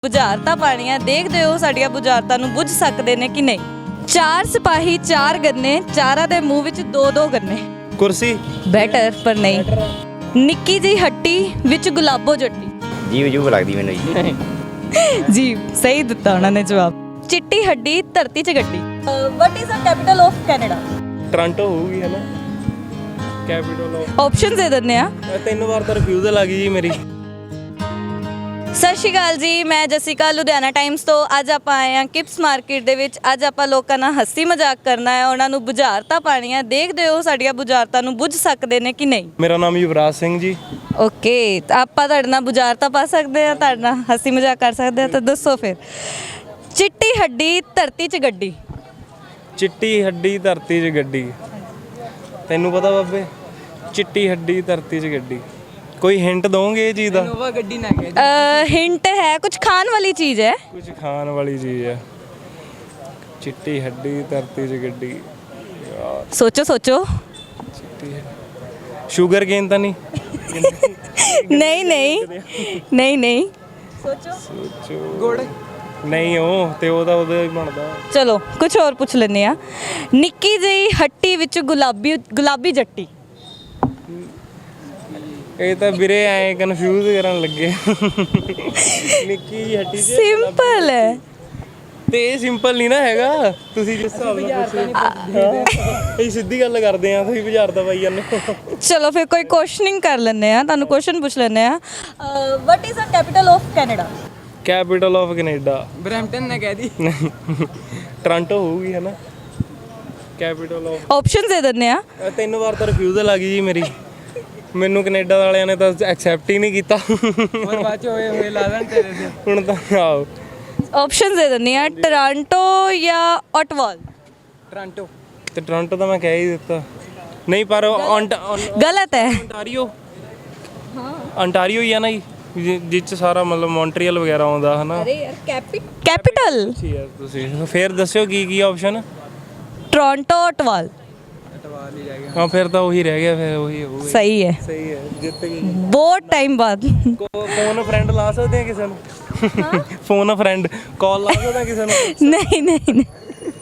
ਬੁਝਾਰਤਾਂ ਪਾਣੀਆਂ ਦੇਖਦੇ ਹੋ ਸਾਡੀਆਂ ਬੁਝਾਰਤਾਂ ਨੂੰ ਬੁੱਝ ਸਕਦੇ ਨੇ ਕਿ ਨਹੀਂ। ਚਾਰ ਸਿਪਾਹੀ ਚਾਰ ਗੰਨੇ, ਚਾਰਾਂ ਦੇ ਮੂੰਹ ਵਿੱਚ ਦੋ ਦੋ ਗੰਨੇ। ਕੁਰਸੀ ਬੈਟਰ ਪਰ ਨਹੀਂ। ਨਿੱਕੀ ਜਿਹੀ ਹੱਟੀ ਵਿੱਚ ਗੁਲਾਬੋ ਜੱਟੀ। ਜੀਵ ਜੂਬ ਲੱਗਦੀ ਮੈਨੂੰ ਜੀ। ਜੀ ਸਹੀ ਦਿੱਤਾ ਉਹਨਾਂ ਨੇ ਜਵਾਬ। ਚਿੱਟੀ ਹੱਡੀ ਧਰਤੀ 'ਚ ਗੱਡੀ। What is the capital of Canada? Toronto ਹੋਊਗੀ ਹੈ ਨਾ ਕੈਪੀਟਲ ਆਫ। ਆਪਸ਼ਨਸ ਦੇ ਦਿੰਦੇ ਆ। 3 ਵਾਰ ਤਾਂ ਰਿਫਿਊਜ਼ਲ ਆ ਗਈ ਜੀ ਮੇਰੀ। ਸਤਿ ਸ਼੍ਰੀ ਅਕਾਲ ਜੀ, ਮੈਂ ਜਸਿਕਾ ਲੁਧਿਆਣਾ ਟਾਈਮਸ ਤੋਂ। ਅੱਜ ਆਪਾਂ ਆਏ ਹਾਂ ਕਿਪਸ ਮਾਰਕੀਟ ਦੇ ਵਿੱਚ। ਅੱਜ ਆਪਾਂ ਲੋਕਾਂ ਨਾਲ ਹੱਸੀ ਮਜ਼ਾਕ ਕਰਨਾ ਹੈ, ਉਹਨਾਂ ਨੂੰ ਬੁਝਾਰਤਾਂ ਪਾਣੀਆਂ। ਦੇਖਦੇ ਹੋ ਸਾਡੀਆਂ ਬੁਝਾਰਤਾਂ ਨੂੰ ਬੁੱਝ ਸਕਦੇ ਨੇ ਕਿ ਨਹੀਂ। ਮੇਰਾ ਨਾਮ ਯੁਵਰਾਜ ਸਿੰਘ ਜੀ। ਓਕੇ, ਤਾਂ ਆਪਾਂ ਤੁਹਾਡੇ ਨਾਲ ਬੁਝਾਰਤਾਂ ਪਾ ਸਕਦੇ ਹਾਂ, ਤੁਹਾਡੇ ਨਾਲ ਹੱਸੀ ਮਜ਼ਾਕ ਕਰ ਸਕਦੇ ਹਾਂ, ਤਾਂ ਦੱਸੋ ਫਿਰ। ਚਿੱਟੀ ਹੱਡੀ ਧਰਤੀ 'ਚ ਗੱਡੀ। ਚਿੱਟੀ ਹੱਡੀ ਧਰਤੀ 'ਚ ਗੱਡੀ। ਤੈਨੂੰ ਪਤਾ ਬਾਬੇ? ਚਿੱਟੀ ਹੱਡੀ ਧਰਤੀ 'ਚ ਗੱਡੀ। ਕੋਈ ਹਿੰਟ ਦੋਗੇ ਇਹ ਚੀਜ਼ ਦਾ? ਇਨੋਵਾ ਗੱਡੀ ਨਾ ਕਹਿ। ਹਿੰਟ ਹੈ, ਕੁਝ ਖਾਣ ਵਾਲੀ ਚੀਜ਼ ਹੈ। ਕੁਝ ਖਾਣ ਵਾਲੀ ਚੀਜ਼ ਹੈ। ਚਿੱਟੀ ਹੱਡੀ ਧਰਤੀ 'ਚ ਗੱਡੀ। ਯਾਰ ਸੋਚੋ ਸੋਚੋ। ਚਿੱਟੀ ਸ਼ੂਗਰ ਕੇਨ ਤਾਂ ਨਹੀਂ? ਨਹੀਂ ਨਹੀਂ ਨਹੀਂ ਨਹੀਂ। ਸੋਚੋ। ਗੁੜ। ਨਹੀਂ ਉਹ ਤੇ ਉਹਦਾ ਉਹਦਾ ਹੀ ਬਣਦਾ। ਚਲੋ ਕੁਝ ਹੋਰ ਪੁੱਛ ਲੈਂਦੇ ਆ। ਨਿੱਕੀ ਜਿਹੀ ਹੱਟੀ ਵਿੱਚ ਗੁਲਾਬੀ ਜੱਟੀ। ਇਹ ਤਾਂ ਵੀਰੇ ਐ ਕਨਫਿਊਜ਼ ਕਰਨ ਲੱਗੇ। ਨਿੱਕੀ ਜਿਹੀ ਹੱਟੀ 'ਚ ਸਿੰਪਲ ਹੈ। ਤੇ ਇਹ ਸਿੰਪਲ ਨਹੀਂ ਨਾ ਹੈਗਾ। ਤੁਸੀਂ ਜਿਸ ਹਿਸਾਬ ਨਾਲ ਅਸੀਂ ਸਿੱਧੀ ਗੱਲ ਕਰਦੇ ਆ, ਤੁਸੀਂ ਬੁਝਾਰਤਾਂ ਪਾਈ ਜਾਂਦੇ ਹੋ। ਚਲੋ ਫਿਰ ਕੋਈ ਕੁਐਸਚਨਿੰਗ ਕਰ ਲੈਂਦੇ ਆ, ਤੁਹਾਨੂੰ ਕੁਐਸਚਨ ਪੁੱਛ ਲੈਂਦੇ ਆ। What is the capital of Canada? Capital of Canada. Brampton ਨਾ ਕਹਿ ਦੀ। ਟੋਰਾਂਟੋ ਹੋਊਗੀ ਹੈ ਨਾ ਕੈਪੀਟਲ ਆਫ। ਆਪਸ਼ਨ ਦੇ ਦਿੰਦੇ ਆ। 3 ਵਾਰ ਤਾਂ ਰਿਫਿਊਜ਼ਲ ਆ ਗਈ ਜੀ ਮੇਰੀ। ਮੈਨੂੰ ਕੈਨੇਡਾ ਵਾਲਿਆਂ ਨੇ ਤਾਂ ਐਕਸੈਪਟ ਹੀ ਨਹੀਂ ਕੀਤਾ। ਹੋਰ ਬਾਅਦ ਚ ਹੋਏ ਲਾ ਦੇਣ ਤੇਰੇ ਤੇ। ਹੁਣ ਤਾਂ ਆਓ ਆਪਸ਼ਨ ਦੇ ਦਿੰਦੇ ਆ। ਟੋਰਾਂਟੋ ਜਾਂ ਓਟਵਾਲ? ਟੋਰਾਂਟੋ। ਤੇ ਟੋਰਾਂਟੋ ਤਾਂ ਮੈਂ ਕਹਿ ਹੀ ਦਿੱਤਾ। ਨਹੀਂ ਪਰ ਗਲਤ ਹੈ। ਅੰਟਾਰੀਓ। ਅੰਟਾਰੀਓ ਹੀ ਆ ਨਾ ਜੀ, ਜਿਸ 'ਚ ਸਾਰਾ ਮਤਲਬ ਮੌਂਟਰੀਅਲ ਵਗੈਰਾ ਆਉਂਦਾ ਹੈ ਨਾ। ਅਰੇ ਯਾਰ ਕੈਪੀਟਲ। ਠੀਕ ਹੈ, ਤੁਸੀਂ ਫਿਰ ਦੱਸਿਓ ਕੀ ਆਪਸ਼ਨ? Toronto Ottawa. ਅਟਵਾਲ ਹੀ ਰਹਿ ਗਿਆ। ਹਾਂ ਫਿਰ ਤਾਂ ਉਹੀ ਰਹਿ ਗਿਆ, ਫਿਰ ਉਹੀ ਹੋਊਗਾ। ਸਹੀ ਹੈ। ਸਹੀ ਹੈ, ਜਿੱਤ ਗਈ। ਬਹੁਤ ਟਾਈਮ ਬਾਅਦ। ਫੋਨ ਫਰੈਂਡ ਲਾ ਸਕਦੇ ਆ ਕਿਸੇ ਨੂੰ? ਫੋਨ ਫਰੈਂਡ ਕਾਲ ਲਾ ਸਕਦੇ ਆ ਕਿਸੇ ਨੂੰ? ਨਹੀਂ ਨਹੀਂ ਨਹੀਂ।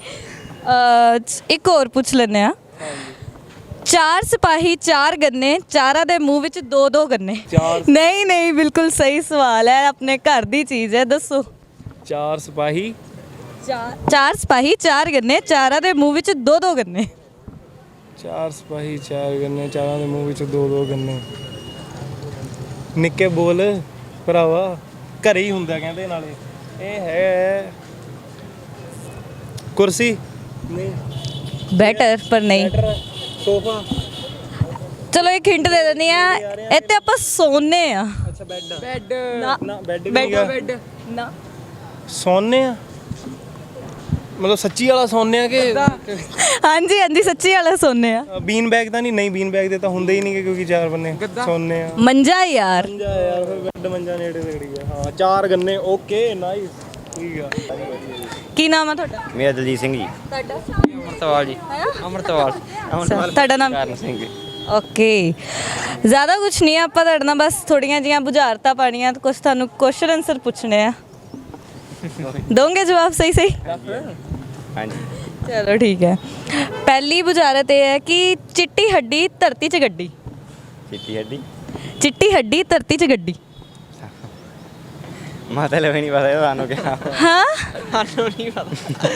ਇੱਕ ਹੋਰ ਪੁੱਛ ਲੈਂਦੇ ਆ। ਚਾਰ ਸਿਪਾਹੀ ਚਾਰ ਗੰਨੇ, ਚਾਰਾਂ ਦੇ ਮੂੰਹ ਵਿੱਚ ਦੋ ਦੋ ਗੰਨੇ। ਨਹੀਂ ਨਹੀਂ, ਬਿਲਕੁਲ ਸਹੀ ਸਵਾਲ ਹੈ, ਆਪਣੇ ਘਰ ਦੀ ਚੀਜ਼ ਹੈ, ਦੱਸੋ। ਚਾਰ ਸਿਪਾਹੀ ਚਾਰ ਸਿਪਾਹੀ ਚਾਰ ਗੰਨੇ, ਚਾਰਾਂ ਦੇ ਮੂੰਹ ਵਿੱਚ ਦੋ ਦੋ ਗੰਨੇ। ਚਾਰ ਸਿਪਾਹੀ ਚਾਰ ਗੰਨੇ, ਚਾਰਾਂ ਦੇ ਮੂੰਹ ਵਿੱਚ ਦੋ ਦੋ ਗੰਨੇ। ਨਿੱਕੇ ਬੋਲ ਭਰਾਵਾ, ਘਰੇ ਹੀ ਹੁੰਦਾ ਕਹਿੰਦੇ ਨਾਲੇ। ਇਹ ਹੈ ਕੁਰਸੀ। ਨਹੀਂ। ਬੈਟਰ ਪਰ ਨਹੀਂ। ਸੋਫਾ। ਚਲੋ ਇੱਕ ਹਿੰਟ ਦੇ ਦਿੰਦੀ ਆ। ਇੱਥੇ ਆਪਾਂ ਸੌਂਨੇ ਆ। ਅੱਛਾ ਬੈੱਡ। ਬੈੱਡ। ਨਾ ਨਾ ਬੈੱਡ ਵੀ ਬੈੱਡ- ਨਹੀਂ। ਬੈੱਡ। ਨਾ ਸੌਂਨੇ ਆ ਮਤਲਬ ਸੱਚੀ ਵਾਲਾ ਸੌਂਨੇ ਆ ਕਿ? ਹਾਂਜੀ ਹਾਂਜੀ, ਸੱਚੀ ਵਾਲਾ ਸੌਂਨੇ ਆ। ਬੀਨ ਬੈਗ ਤਾਂ ਨਹੀਂ ਬੀਨ ਬੈਗ ਦੇ ਤਾਂ ਹੁੰਦੇ ਹੀ ਨਹੀਂ ਕਿਉਂਕਿ ਚਾਰ ਬੰਨੇ ਸੌਂਨੇ ਆ। ਮੰਜਾ ਯਾਰ। ਮੰਜਾ ਯਾਰ, ਫਿਰ ਬੈੱਡ ਮੰਜਾ ਨੇੜੇ ਤਗੜੀ ਆ। ਹਾਂ ਚਾਰ ਗੰਨੇ। ਓਕੇ ਨਾਈਸ, ਠੀਕ ਆ। ਕੀ ਨਾਮ ਆ ਤੁਹਾਡਾ? ਮੇਰਾ ਦਲਜੀਤ ਸਿੰਘ ਜੀ। ਤੁਹਾਡਾ? ਅਮਰਤਵਾਲ ਜੀ। ਅਮਰਤਵਾਲ। ਤੁਹਾਡਾ ਨਾਮ? ਕਰਨ ਸਿੰਘ ਜੀ। ਓਕੇ, ਜ਼ਿਆਦਾ ਕੁਝ ਨਹੀਂ, ਆਪਾਂ ਤੁਹਾਡੇ ਨਾਲ ਬਸ ਥੋੜੀਆਂ ਜੀਆਂ ਬੁਝਾਰਤਾਂ ਪਾਣੀਆਂ, ਕੁਝ ਤੁਹਾਨੂੰ ਕੁਐਸਚਨ ਆਨਸਰ ਪੁੱਛਣੇ ਆ। ਦੋਗੇ ਜਵਾਬ ਸਹੀ ਸਹੀ? ਹਾਂਜੀ। ਚਲੋ ਠੀਕ ਹੈ। ਪਹਿਲੀ ਬੁਝਾਰਤ ਇਹ ਹੈ ਕਿ ਚਿੱਟੀ ਹੱਡੀ ਧਰਤੀ 'ਚ ਗੱਡੀ। ਚਿੱਟੀ ਹੱਡੀ। ਚਿੱਟੀ ਹੱਡੀ ਧਰਤੀ 'ਚ ਗੱਡੀ। ਮਤਲਬ ਹੀ ਨਹੀਂ ਪਤਾ ਇਹ ਤੁਹਾਨੂੰ ਕਿਹਾ। ਹਾਂ, ਸਾਨੂੰ ਨਹੀਂ ਪਤਾ।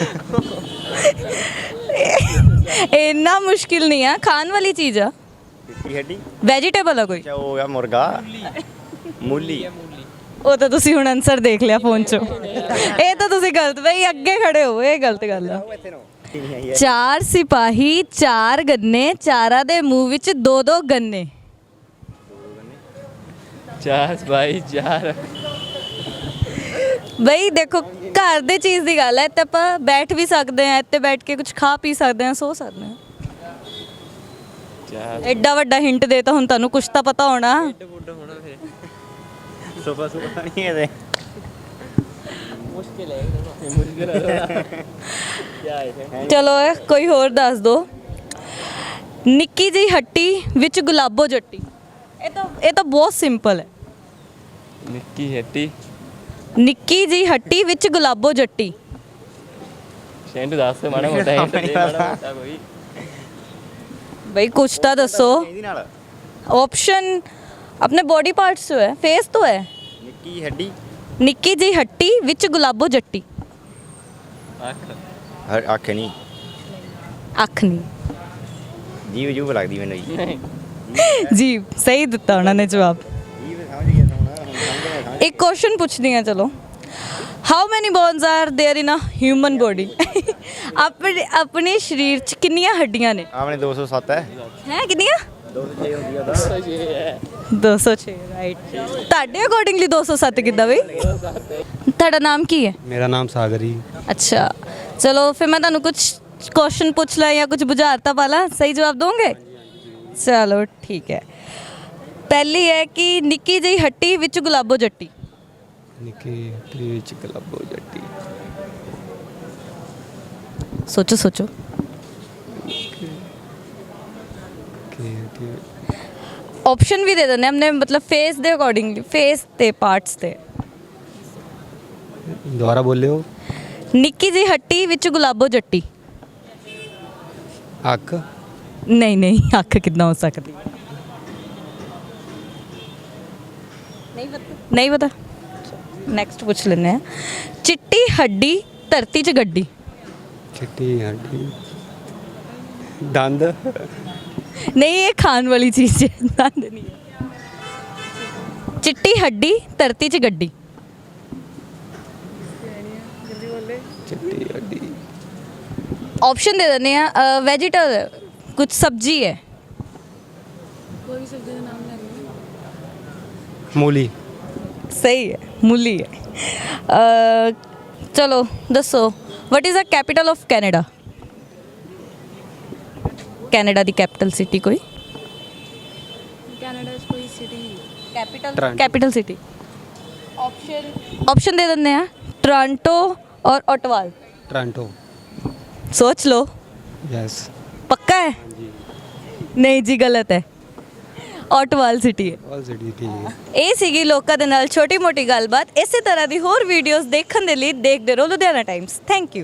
ਇੰਨਾ ਮੁਸ਼ਕਿਲ ਨਹੀਂ ਆ, ਖਾਣ ਵਾਲੀ ਚੀਜ਼ ਆ। ਚਿੱਟੀ ਹੱਡੀ। ਵੈਜੀਟੇਬਲ ਆ ਕੋਈ? ਅੱਛਾ ਹੋ ਗਿਆ ਮੁਰਗਾ। ਮੂਲੀ। ਉਹ ਤਾਂ ਤੁਸੀਂ ਹੁਣ ਆਨਸਰ ਦੇਖ ਲਿਆ ਫੋਨ 'ਚੋਂ। ਇਹ ਤਾਂ ਤੁਸੀਂ ਗਲਤ, ਬਈ ਅੱਗੇ ਖੜੇ ਹੋ, ਇਹ ਗਲਤ ਗੱਲ ਆ। ਚਾਰ ਸਿਪਾਹੀ ਚਾਰ ਗੰਨੇ, ਚਾਰਾਂ ਦੇ ਮੂੰਹ ਵਿੱਚ ਦੋ ਦੋ ਗੰਨੇ। ਚਾਰ ਬਾਈ ਚਾਰ। ਬਈ ਦੇਖੋ, ਘਰ ਦੇ ਚੀਜ਼ ਦੀ ਗੱਲ ਹੈ, ਇੱਥੇ ਆਪਾਂ ਬੈਠ ਵੀ ਸਕਦੇ ਹਾਂ, ਇੱਥੇ ਬੈਠ ਕੇ ਕੁਝ ਖਾ ਪੀ ਸਕਦੇ ਹਾਂ, ਸੋ ਸਕਦੇ ਹਾਂ। ਚਾਰ। ਐਡਾ ਵੱਡਾ ਹਿੰਟ ਦੇ ਤਾਂ ਹੁਣ ਤੁਹਾਨੂੰ ਕੁਝ ਤਾਂ ਪਤਾ ਹੋਣਾ। ਸੋਫਾ ਸੋਫਾ ਨਹੀਂ ਇਹਦੇ। ਮੁਸ਼ਕਿਲ ਹੈ। ਚਲੋ ਕੋਈ ਹੋਰ ਦੱਸ ਦੋ। ਨਿੱਕੀ ਜਿਹੀ ਹੱਟੀ ਵਿੱਚ ਗੁਲਾਬੋ ਜੱਟੀ। ਇਹ ਤਾਂ ਬਹੁਤ ਸਿੰਪਲ ਹੈ। ਨਿੱਕੀ ਹੱਟੀ ਨਿੱਕੀ ਜੀ ਹੱਟੀ ਵਿੱਚ ਗੁਲਾਬੋ ਜੱਟੀ। ਸ਼ੈਂਟੂ ਦੱਸ ਮਾੜਾ ਮੋਟਾ ਹਿੰਟ ਦੇ ਮਾੜਾ ਮੋਟਾ ਕੋਈ भाई कुछ तो दसो। ਇਹਦੀ ਨਾਲ ऑप्शन अपने बॉडी पार्ट्स तो है, फेस तो है। ਨਿੱਕੀ ਹੱਡੀ निक्की जी हट्टी विच गुलाबो जट्टी। ਅੱਖ ਅੱਖ ਨਹੀਂ अख नहीं ਜੀਵ ਜੂਬ ਲੱਗਦੀ ਮੈਨੂੰ ਜੀ जी सही दिता उन्होंने जवाब। ਜੀਵ ਸਮਝ ਗਿਆ ਹੁਣ एक क्वेश्चन पूछनी है चलो। How many bones are there in a human body? अपने शरीर च किन्नियां हड्डियां ने? ਆਪਣੇ 207 ਹੈ हैं किन्नियां? 206 ਹੁੰਦੀ ਆ 206 ਹੈ 206 ਰਾਈਟ। ਤੁਹਾਡੇ ਅਕੋਰਡਿੰਗਲੀ 207 ਕਿੱਦਾਂ ਬਈ? ਤੁਹਾਡਾ ਨਾਮ ਕੀ ਹੈ? ਮੇਰਾ ਨਾਮ ਸਾਗਰ ਜੀ। अच्छा चलो फिर मैं ਤੁਹਾਨੂੰ कुछ क्वेश्चन पूछ ला या कुछ बुझारता पाला, सही जवाब दोगे? चलो ठीक है। पहली है कि निक्की जी हट्टी विच गुलाबो जट्टी। ਨਿੱਕੀ ਹੱਟੀ ਵਿੱਚ ਗੁਲਾਬੋ ਜੱਟੀ। सोचो सोचो। ਕੀ ਹੱਟੀ ऑप्शन भी दे देने हमने, मतलब फेस दे अकॉर्डिंगली, फेस ते पार्ट्स ते। ਦੁਬਾਰਾ ਬੋਲਿਓ। निक्की जी हट्टी विच गुलाबो जट्टी। ਅੱਖ नहीं नहीं अख कितना हो सकती? नहीं पता। नेक्स्ट पूछ लेने हैं। चिट्टी हड्डी धरती च गड्डी। ਚਿੱਟੀ ਹੱਡੀ ਦੰਦ नहीं ये खान वाली चीज है, दंद नहीं है। चिट्टी हड्डी धरती च गड्डी। ਚਿੱਟੀ ਹੱਡੀ ऑप्शन दे देने हैं। वेजिटेबल कुछ सब्जी है। ਮੂਲੀ सही है, मूली है। चलो दसो what is the capital of Canada? Canada दी कैपिटल सिटी कोई? कनाडा च कोई city capital Toronto. Capital city. Option दे देने हैं। टोरंटो और ओटावा। ਟੋਰਾਂਟੋ। सोच लो। ਯੈਸ पक्का है? नहीं जी गलत है, ओटावा सिटी है। ਆਲ ਸਿਟੀ ਠੀਕ ਹੈ। ਇਹ ਸੀਗੀ ਲੋਕਾਂ ਦੇ ਨਾਲ ਛੋਟੀ ਮੋਟੀ ਗੱਲਬਾਤ। ਇਸੇ ਤਰ੍ਹਾਂ ਦੀ ਹੋਰ ਵੀਡੀਓਜ਼ ਦੇਖਣ ਦੇ ਲਈ ਦੇਖਦੇ ਰਹੋ ਲੁਧਿਆਣਾ ਟਾਈਮਸ। Thank you.